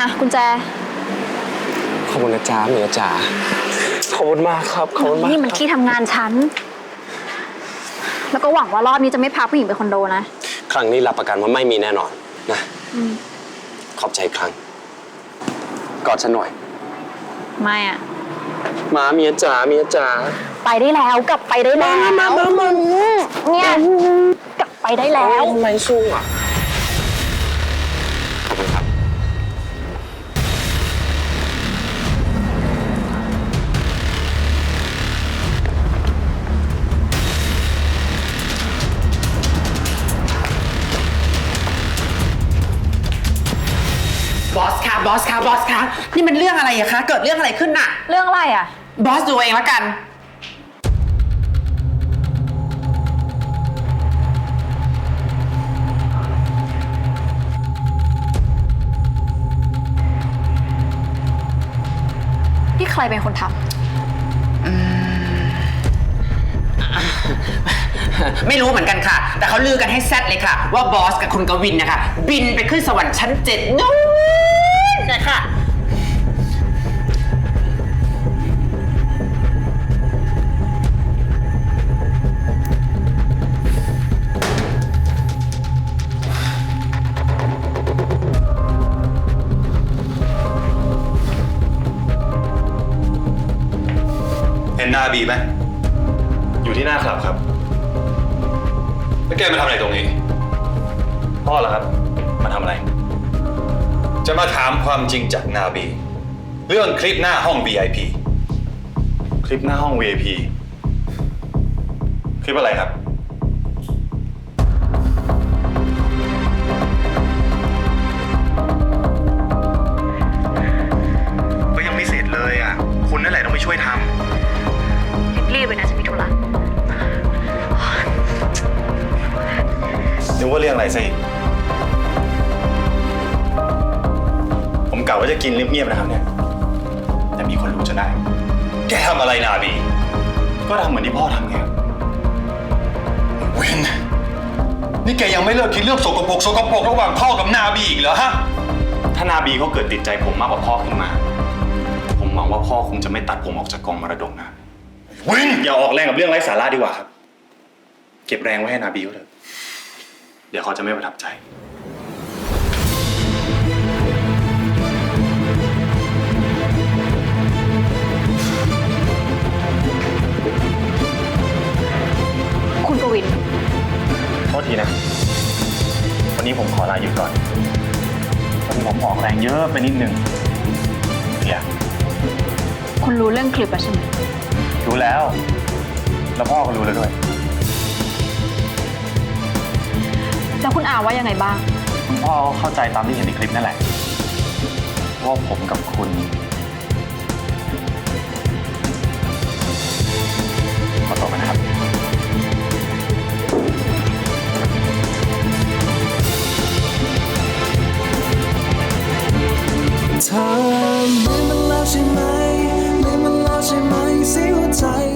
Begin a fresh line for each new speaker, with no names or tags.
อ่ะกุญแจ
ขอบคุณนะจ๊ะเมียจ๋าขอบคุณมากครับขอบคุณมาก
นี่มันที่ทำงานฉันแล้วก็หวังว่ารอบนี้จะไม่พาผู้หญิงไปคอนโดนะ
ครั้งนี้รับประกันว่าไม่มีแน่นอนนะขอบใจครั้งกอดฉันหน่อย
ไม่อ่ะ
มาเมียจ๋าเมียจ๋า
ไปได้แล้วกลับไปได้แล้วเนี่ยกลับไปได้แล้ว
ไม่สู้อ่ะขอบคุณครับ
บอสค่ะบอสค่ะบอสค่ะนี่มันเรื่องอะไรอะคะเกิดเรื่องอะไรขึ้นน่ะ
เรื่องอะไรอะ
บอสดูเองแล้วกัน
นี่ใครเป็นคนทำ
ไม่รู้เหมือนกันค่ะแต่เขาลือกันให้แซดเลยค่ะว่าบอสกับคุณกวินนะคะบินไปขึ้นสวรรค์ชั้น7นู้นนะคะ
เห็นหน้าบีไหมอยู่ที่หน้าคลับครับแล้วแกมาทำอะไรตรงนี้พ่อเหรอครับมาทำอะไรจะมาถามความจริงจากนาบีเรื่องคลิปหน้าห้อง VIP คลิปหน้าห้อง VIP คลิปอะไรครับก็ยังไม่เสร็จเลยอ่ะคุณนั่นแหละต้องไปช่วยทำ
รีบเลยนะฉันมีธุระ
นึกว่าเรื่องอะไรซะอีกผมกะว่าจะกินเงียบๆนะครับเนี่ยแต่มีคนรู้จนได้แกทำอะไรนาบีก็ทำเหมือนที่พ่อทำไงเว้นนี่แกยังไม่เลิกคิดเรื่องสกปรกระหว่างพ่อกับนาบีอีกเหรอฮะถ้านาบีเขาเกิดติดใจผมมากกว่าพ่อขึ้นมาผมหวังว่าพ่อคงจะไม่ตัดผมออกจากกองมรดกนะวินอย่าออกแรงกับเรื่องไร้สาระดีกว่าครับเก็บแรงไว้ให้นาบีเขาเถอะเดี๋ยวเขาจะไม่ประทับใจ
คุณกวิน
โทษทีนะวันนี้ผมขอลาหยุดก่อนวันนี้ผมออกแรงเยอะไปนิดนึงเนี่ย
คุณรู้เรื่องคลิปแล้วใช่ไหม
รู้แล้วแล้วพ่อก็รู้แล้วด้วย
แล้วคุณอาว่ายังไงบ้าง
คุณพ่อเข้าใจตามที่เห็นในคลิปนั่นแหละว่าผมกับคุณขอตัวมานะครับ
เธอลืมมันแล้วใช่ไหมลืมมันแล้วใช่ไหมเสียหัวใจ